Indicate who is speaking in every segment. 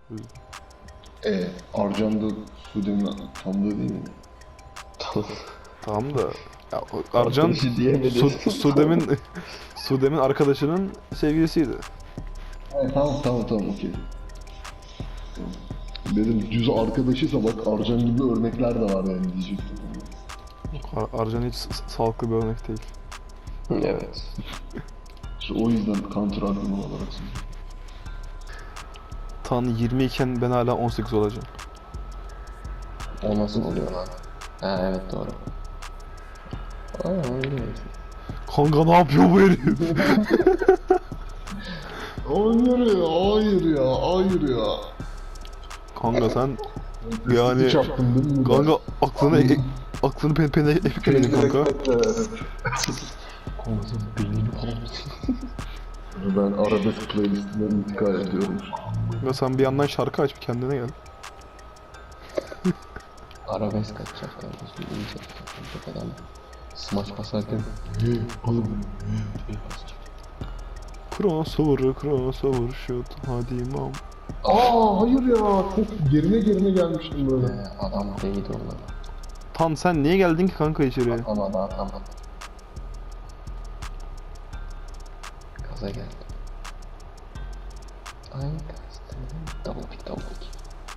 Speaker 1: Arcan da Sude'nin tanıdığı değil mi?
Speaker 2: Tamam da ya, Arcan
Speaker 1: Arkadaşı diyemedi.
Speaker 2: Sudem'in arkadaşının sevgilisiydi.
Speaker 1: Tamam okey. Dedim düz arkadaşıysa bak Arcan gibi örnekler de var yani diyecektim.
Speaker 2: Arcan hiç sağlıklı bir örnek değil.
Speaker 1: Evet. İşte o yüzden counter argüman olarak söylüyorum.
Speaker 2: Tan 20 iken ben hala 18 olacağım.
Speaker 3: O nasıl oluyor lan? Ha evet doğru. Aa öyle.
Speaker 2: Kanka ne yapıyor bu herif?
Speaker 1: Hayır ya.
Speaker 2: Kanka sen yani
Speaker 1: Hiç yaptın değil mi?
Speaker 2: kanka aklını pene eklemedin kanka.
Speaker 3: Konusuz beynini
Speaker 1: Ben arabesk playlistine intikal ediyorum.
Speaker 2: Ya sen bir yandan şarkı aç bir kendine gel.
Speaker 3: arabesk atacak kardeşim. İyi çekecek adam. Smash basarken
Speaker 1: Oğlum.
Speaker 3: diye basacak.
Speaker 2: Crossover shoot hadi imam.
Speaker 1: Hayır ya. Çok gerine gelmiştim böyle.
Speaker 3: Adam değdi ona.
Speaker 2: Tan sen niye geldin ki kanka içeri?
Speaker 3: Atamadı. Gaza geldi. Ay kastım. Double pick.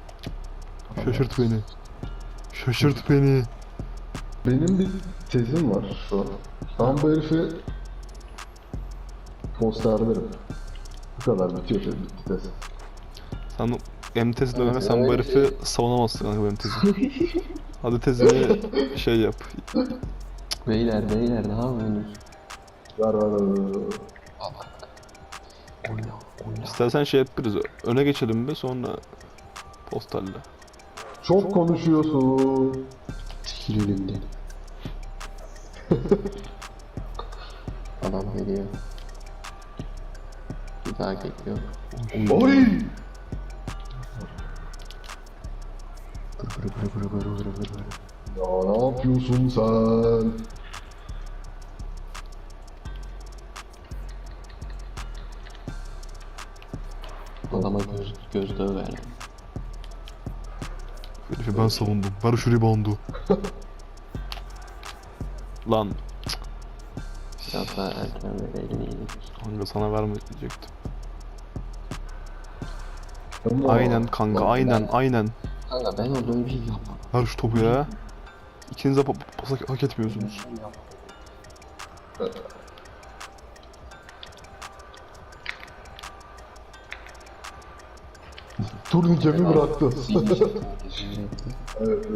Speaker 2: Şaşırt beni.
Speaker 1: Benim bir tezim var şu an. Ben bu herifi posterlerim. Bu kadar bitiyor bitti tez.
Speaker 2: Sen M-tezi döneme sen bu herifi savunamazsın kanka benim tezim. Hadi tezini şey yap.
Speaker 3: Beyler ne yapıyorsunuz?
Speaker 1: Ver.
Speaker 3: Al kanka. Oyna.
Speaker 2: İstersen şey yapırız. Öne geçelim bir sonra posterle.
Speaker 1: Çok konuşuyorsun.
Speaker 3: Çekil önümden. Adam geliyor. Bir daha geliyor.
Speaker 1: Oy!
Speaker 3: Vır.
Speaker 1: Ya ne yapıyorsun sen?
Speaker 3: Adama gözdağı verdim.
Speaker 2: Herifi ben savundum. Ver şu reboundu. Lan
Speaker 3: Biraz daha erken vereydin iyiydi.
Speaker 2: kanka sana vermeyecektim.
Speaker 1: Ama-
Speaker 2: Aynen kanka aynen.
Speaker 3: Kanka ben orada öyle bir şey yapmam.
Speaker 2: Ver şu topu ya. İkiniz de pas hak etmiyorsunuz.
Speaker 1: Turnikemi bıraktı. Evet.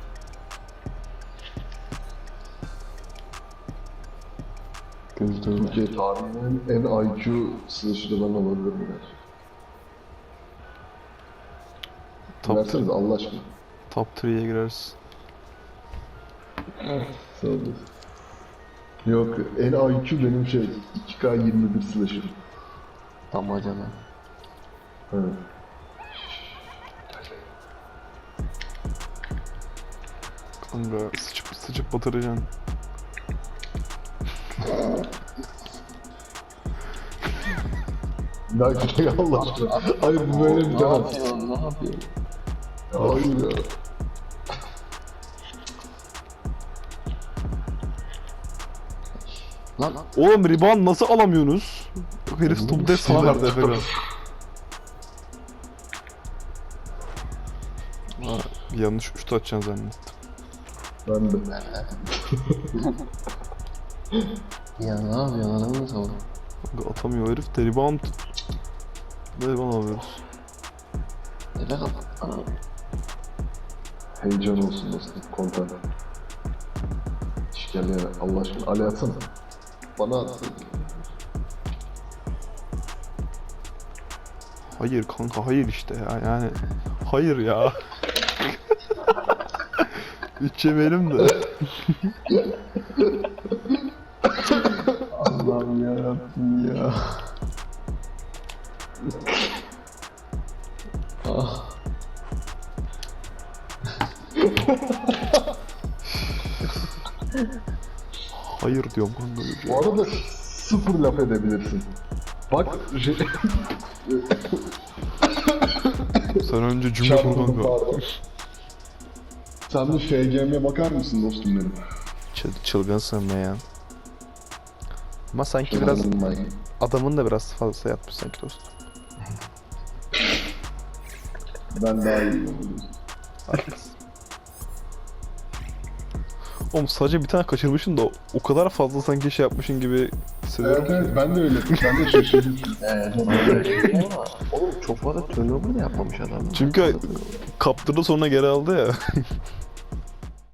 Speaker 3: Gözdağı ver.
Speaker 1: Türkiye tarihinin en IQ slasher'ı ben olabilirim gerçekten. Verseniz Allah aşkına.
Speaker 2: Top 3'ye gireriz.
Speaker 1: Sağ olun. Yok, en IQ benim 2K21 slasher.
Speaker 3: Damacana.
Speaker 1: Evet.
Speaker 2: Kanka sıçıp batıracaksın.
Speaker 1: Ya işte Allah aşkına. Hayır bu böyle bir
Speaker 3: Ne yapıyor?
Speaker 1: Hayır ya.
Speaker 3: Lan
Speaker 2: Oğlum rebound nasıl alamıyorsunuz? Herif topu da sana verdi Efekan. Bir yanlış şut atacaksın zannettim.
Speaker 1: Ben de.
Speaker 3: ya ne yapıyorsun adamı savun.
Speaker 2: Kanka atamıyor herif de rebound. Ne rebound alıyoruz?
Speaker 3: Efe kal.
Speaker 1: Heyecan olsun dostum. Konten. İşkembe Allah aşkına. Ali atsana. Bana atsana.
Speaker 2: Hayır kanka hayır işte ya yani. Hayır ya. 3 yemeyelim de.
Speaker 3: Allah'ım yarabbim ya. Ah.
Speaker 2: Hayır diyorum kanka.
Speaker 1: Bu arada sıfır laf edebilirsin. Bak
Speaker 2: Sen önce cümle kur
Speaker 1: Çarpıldım
Speaker 2: kanka.
Speaker 1: pardon. Sen de FGM'ye bakar mısın dostum benim?
Speaker 2: Çılgınsın be ya. Ama sanki biraz adamın da biraz fazla yatmış sanki dostum.
Speaker 1: Ben daha iyiyim.
Speaker 2: Haklısın. Oğlum sadece bir tane kaçırmışsın da o kadar fazla sanki şey yapmışın gibi hissediyorum.
Speaker 1: Evet evet ben de öyle. Ben de şaşırdım.
Speaker 3: Ama oğlum çok fazla turnover da yapmamış adam.
Speaker 2: Çünkü kaptırdı sonra geri aldı ya.